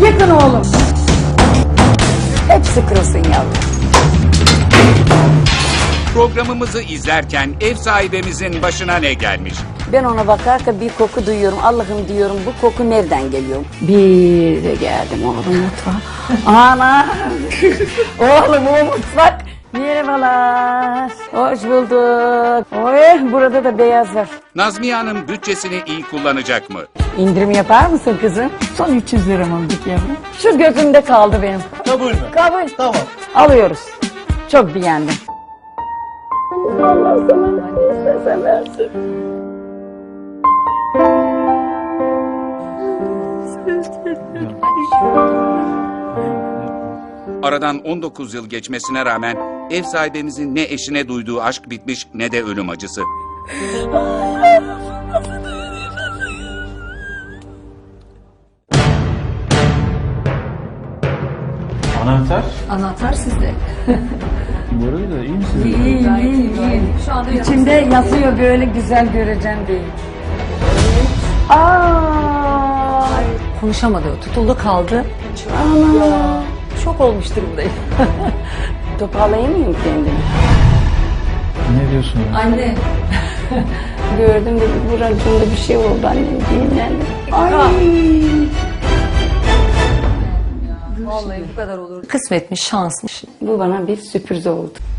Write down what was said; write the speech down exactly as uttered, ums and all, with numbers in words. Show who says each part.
Speaker 1: yakın oğlum. Hepsi kırılsın yavrum.
Speaker 2: Programımızı izlerken ev sahibimizin başına ne gelmiş?
Speaker 1: Ben ona bakarken bir koku duyuyorum. Allah'ım diyorum, bu koku nereden geliyor? Bir de geldim oğlum mutfağa. Ana! Oğlum o mutfak. Merhabalar. Hoş bulduk. Oy, burada da beyaz var.
Speaker 2: Nazmiye Hanım bütçesini iyi kullanacak mı?
Speaker 1: İndirim yapar mısın kızım? Son üç yüz lira mı yavrum? Şu gözümde kaldı benim.
Speaker 3: Kabul mü?
Speaker 1: Kabul.
Speaker 3: Tamam.
Speaker 1: Alıyoruz. Çok beğendim. Allah sana ne istesen versin.
Speaker 2: Aradan on dokuz yıl geçmesine rağmen ev sahibimizin ne eşine duyduğu aşk bitmiş ne de ölüm acısı.
Speaker 3: Anahtar?
Speaker 4: Anahtar sizde.
Speaker 3: Bu arada iyi misiniz?
Speaker 1: İyiyim, iyiyim, iyiyim.
Speaker 4: Şu anda
Speaker 1: İçimde yatıyor böyle güzel göreceğim diye. Aa,
Speaker 4: konuşamadı. Tutuldu kaldı.
Speaker 1: ana.
Speaker 4: Şok olmuş durumdayım.
Speaker 1: Toparlayamıyorum kendimi.
Speaker 3: Ne diyorsun?
Speaker 4: Anne.
Speaker 1: Gördüm de buracığımda bir şey oldu annem dinlendim. Ay.
Speaker 4: Vallahi bu kadar olur. Kısmetmiş, şansmış.
Speaker 1: Bu bana bir sürpriz oldu.